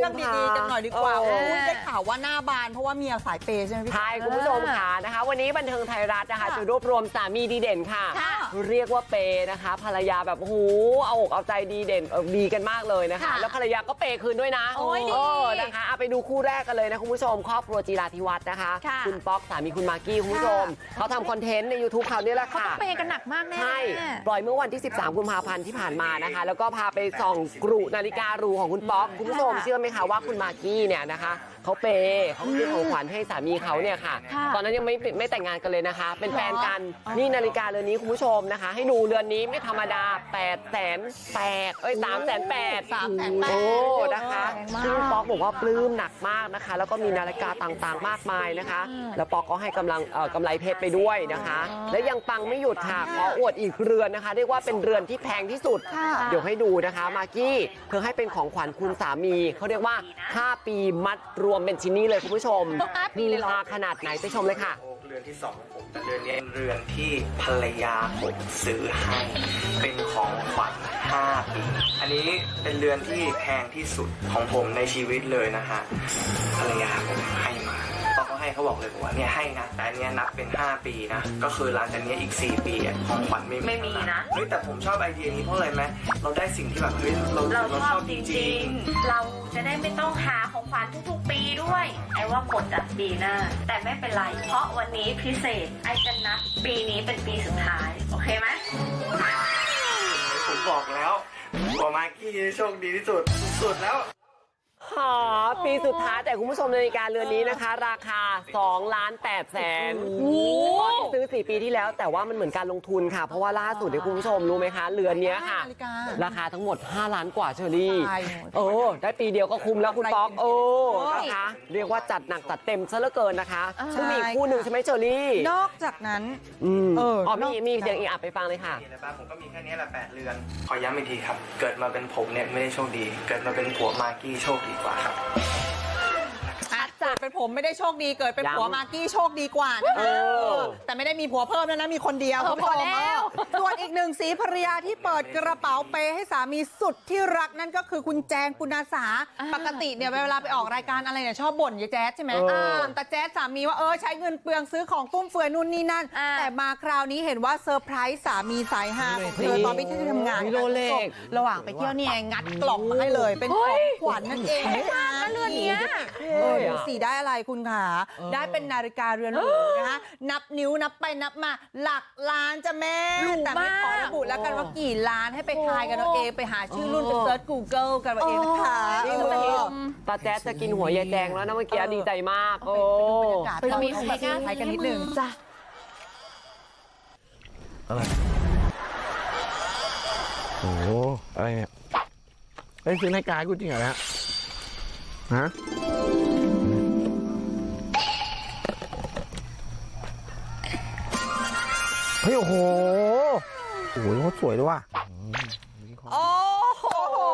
รื่องดีๆกันหน่อยดีกว่าได้ข่าวว่าหน้าบานเพราะว่าเมียสายเปย์ใช่ไหมพี่ใช่คุณผู้ชมค่ะนะคะวันนี้บันเทิงไทยรัฐนะคะจะรวบรวมสามีดีเด่นค่ะเรียกว่าเปย์นะคะภรรยาแบบโอ้โหเอาอกเอาใจดีเด่นดีกันมากเลยนะคะแล้วภรรยาก็เปย์คืนด้วยนะนะคะเอาไปดูคู่แรกกันเลยนะคุณผู้ชมครอบครัวจีราธิวัฒน์นะคะคุณป๊อกสามีคุณมากกี้คุณผู้ชมเขาทำคอนเทนต์ใน YouTube เขาเนี่ยแหละค่ะเขาเปย์กันหนักมากแน่ใช่ปล่อยเมื่อวันที่13กุมภาพันธ์ที่ผ่านมานะคะแล้วก็พาไปส่องกรุนาฬิการูของคุณป๊อกคุณผู้ชมเชื่อไหมคะว่าคุณมากกี้เนี่ยนะคะเขาเปย์เขาซื้อของขวัญให้สามีเขาเนี่ยค่ะตอนนั้นยังไม่แต่งงานกันเลยนะคะเป็นแฟนกันนี่นาฬิกาเรือนนี้คุณผู้ชมนะคะให้ดูเรือนนี้ไม่ธรรมดา380,000 โอ้นะคะซึ่งป๊อกบอกว่าปลื้มหนักมากนะคะแล้วก็มีนาฬิกาต่างๆมากมายนะคะแล้วป๊อกก็ให้กำไรเพชรไปด้วยนะคะและยังปังไม่หยุดค่ะขออวดอีกเรือนนะคะเรียกว่าเป็นเรือนที่แพงที่สุดเดี๋ยวให้ดูนะคะมากกี้เธอให้เป็นของขวัญคุณสามีเขาเรียกว่า5 ปีมัดรวมเป็นชิ้นนี้เลยคุณผู้ชมมีราคาขนาดไหนไปชมเลยค่ะเรือนที่2ของผมแต่เรือนนี้เรือนที่ภรรยาผมซื้อให้เป็นของขวัญ5 ปีอันนี้เป็นเรือนที่แพงที่สุดของผมในชีวิตเลยนะฮะภรรยาผมให้มาพอเขาให้เขาบอกเลยว่าเนี่ยให้นะแต่อันนี้นับเป็น5 ปีนะก็คือหลังจากนี้อีก4 ปีของขวัญไม่มีนะเฮ้ยแต่ผมชอบไอเดียนี้เพราะอะไรไหมเราได้สิ่งที่แบบเฮ้ยเราชอบจริงๆเราจะได้ไม่ต้องหาของขวัญทุกๆปีด้วยไอ้ว่าหมดอะปีหน้าแต่ไม่เป็นไรเพราะวันนี้พิเศษไอ้จะนับปีนี้เป็นปีสุดท้ายโอเคไหมผมบอกแล้วว่ามากกี้โชคดีที่สุดแล้วปีสุดท้ายแต่คุณผู้ชมนาฬิกาเรือนนี้นะคะราคา2,800,000ซื้อ4 ปีที่แล้วแต่ว่ามันเหมือนการลงทุนค่ะเพราะว่าล่าสุดเนี่ยคุณผู้ชมรู้ไหมคะเรือนนี้ค่ะราคาทั้งหมด5 ล้านกว่าเชอรี่ได้ปีเดียวก็คุ้มแล้วคุณป๊อกนะคะเรียกว่าจัดหนักจัดเต็มซะเหลือเกินนะคะซึ่งมีคู่หนึ่งใช่ไหมเชอรี่นอกจากนั้นมีเสียงอีกไปฟังเลยค่ะผมก็มีแค่นี้แหละ8 เรือนขอย้ำอีกทีครับเกิดมาเป็นผมเนี่ยไม่ได้โชคดีเกิดมาเป็นผัวมากกี้โชคดีกว่าครับเกิดเป็นผมไม่ได้โชคดีเกิดเป็นผัวมากกี้โชคดีกว่านะคะแต่ไม่ได้มีผัวเพิ่มแล้วนะมีคนเดียวพอแล้วส่วนอีกหนึ่งสีภรรยาที่เปิดกระเป๋าเปให้สามีสุดที่รักนั่นก็คือคุณแจงปุณาสาปกติเนี่ยเวลาไปออกรายการอะไรเนี่ยชอบบ่นยายแจ๊ดใช่ไหมแต่แจ๊ดสามีว่าใช้เงินเปลืองซื้อของฟุ่มเฟือยนู่นนี่นั่นแต่มาคราวนี้เห็นว่าเซอร์ไพรส์สามีสายฮาของเธอตอนไปที่ทำงานระหว่างไปเที่ยวเนี่ยงัดกล่องมาให้เลยเป็นของขวัญนั่นเองนะคะเรือนนี้สีได้อะไรคุณขาได้เป็นนาฬิกาเรือนหรูนะคะนับนิ้วนับไปนับมาหลักล้านจ้ะแม่แต่ไม่ขอระบุแล้วกันว่ากี่ล้านให้ไปทายกันเอาเองไปหาชื่อรุ่นไปเซิร์ช Google กันเอาเองนะคะตาแจ๊ดจะกินหัวยายแจงแล้วนะเมื่อกี้ดีใจมากไปมีใครกันนิดนึงจ้ะอะไรโอ้อะไรเนี่ยซื้อนาฬิกากูจริงเหรอฮะเฮ้ยโอ้โหเขาสวยด้วยว่ะโอ้โห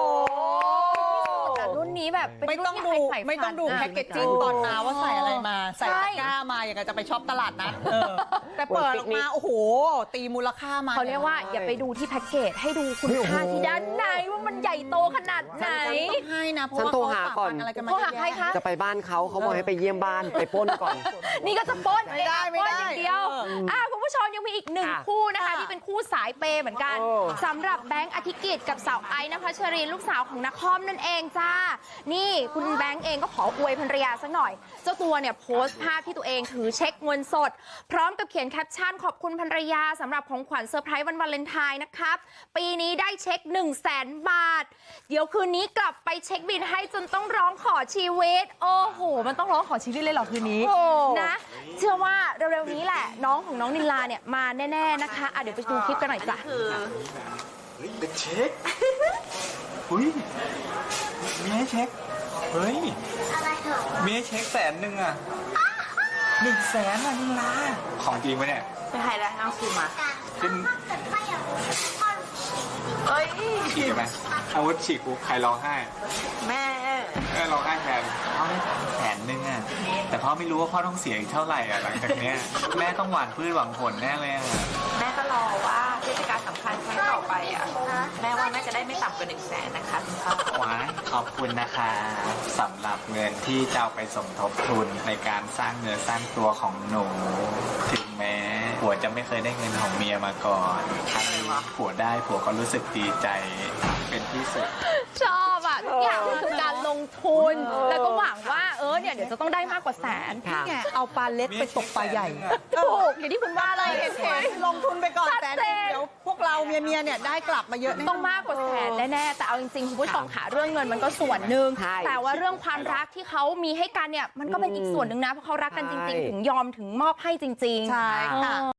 รุ่นนี้แบบไม่ต้องดูแพ็กเกจจิ้งตอนมาว่าใส่อะไรมาใส่ตะกร้ามาอย่างกับจะไปช็อปตลาดนัดแต่เปิดออกมาโอ้โหตีมูลค่ามาเขาเรียกว่าอย่าไปดูที่แพ็กเกจให้ดูคุณค่าที่ด้านในว่ามันใหญ่โตขนาดไหนต้องให้นะเพราะว่าฉันโทรหาก่อนโทรหาใครคะจะไปบ้านเขาบอกให้ไปเยี่ยมบ้านไปปล้นก่อนนี่ก็จะปล้นไม่ได้อย่างเดียวคุณผู้ชมยังมีอีกหนึ่งคู่นะคะที่เป็นคู่สายเปย์เหมือนกันสำหรับแบงค์อธิกิจกับสาวไอซ์นภัชรินลูกสาวของนครนั่นเองจ้านี่คุณแบงค์เองก็ขออวยภรรยาสักหน่อยเจ้าตัวเนี่ยโพสต์ภาพที่ตัวเองถือเช็คเงินสดพร้อมกับเขียนแคปชั่นขอบคุณภรรยาสำหรับของขวัญเซอร์ไพรส์วันวาเลนไทน์นะครับปีนี้ได้เช็ค100,000 บาทเดี๋ยวคืนนี้กลับไปเช็คบิลให้จนต้องร้องขอชีวิตโอ้โหมันต้องร้องขอชีวิตเลยเหรอคืนนี้นะเชื่อว่าเร็วๆนี้แหละน้องของน้องนิลาเนี่ยมาแน่ๆนะคะเดี๋ยวไปดูคลิปกันหน่อยจ้ะเป็นเช็คอุ้ยมีให้เช็คเฮ้ยมีให้เช็ค100,000อ่ะ100,000อ่ะนิลาของจริงไหมเนี่ยไปให้แล้วน้องซื้อมาเป็นฉีกไหมอาวุธฉีกกูใครร้องไห้แม่ร้องไห้แทนพ่อได้100,000อ่ะแต่พ่อไม่รู้ว่าพ่อต้องเสียอีกเท่าไหร่อ่ะหลังจากเนี้ยแม่ต้องหว่านพืชหวังผลแน่เลยอ่ะแม่ก็รอว่าเทศกาลสำคัญครั้งต่อไปอ่ะแม่ว่าน่าจะได้ไม่ต่ำกว่า100,000นะคะคุณพ่อว้ายขอบคุณนะคะสำหรับเงินที่จะเอาไปสมทบทุนในการสร้างเนื้อสร้างตัวของหนู ถึงแม้ผัวจะไม่เคยได้เงินของเมียมาก่อนครั้งนี้ผัวได้ผัวก็รู้สึกดีใจเป็นที่สุดชอบอ่ะทุกอย่างมันคือการลงทุน แล้วก็หวังว่าเนี่ยเดี๋ยวจะต้องได้มากกว่าแสนค่ะนี่ไงเอาปลาเล็กไปตกปลาใหญ่ถูกอย่างที่คุณว่าเลยเห็นไหมลงทุนไปก่อนชัดแต่เจนเดี๋ยวพวกเราเมียเนี่ยได้กลับมาเยอะแน่ต้องมากกว่าแสนแน่ๆแต่เอาจริงๆคุณผู้ชมค่ะเรื่องเงินมันก็ส่วนหนึ่งใช่แต่ว่าเรื่องความรักที่เขามีให้กันเนี่ยมันก็เป็นอีกส่วนหนึ่งนะเพราะเขารักกันจริงๆถึงยอมถึงมอบให้จริงๆใช่ค่ะ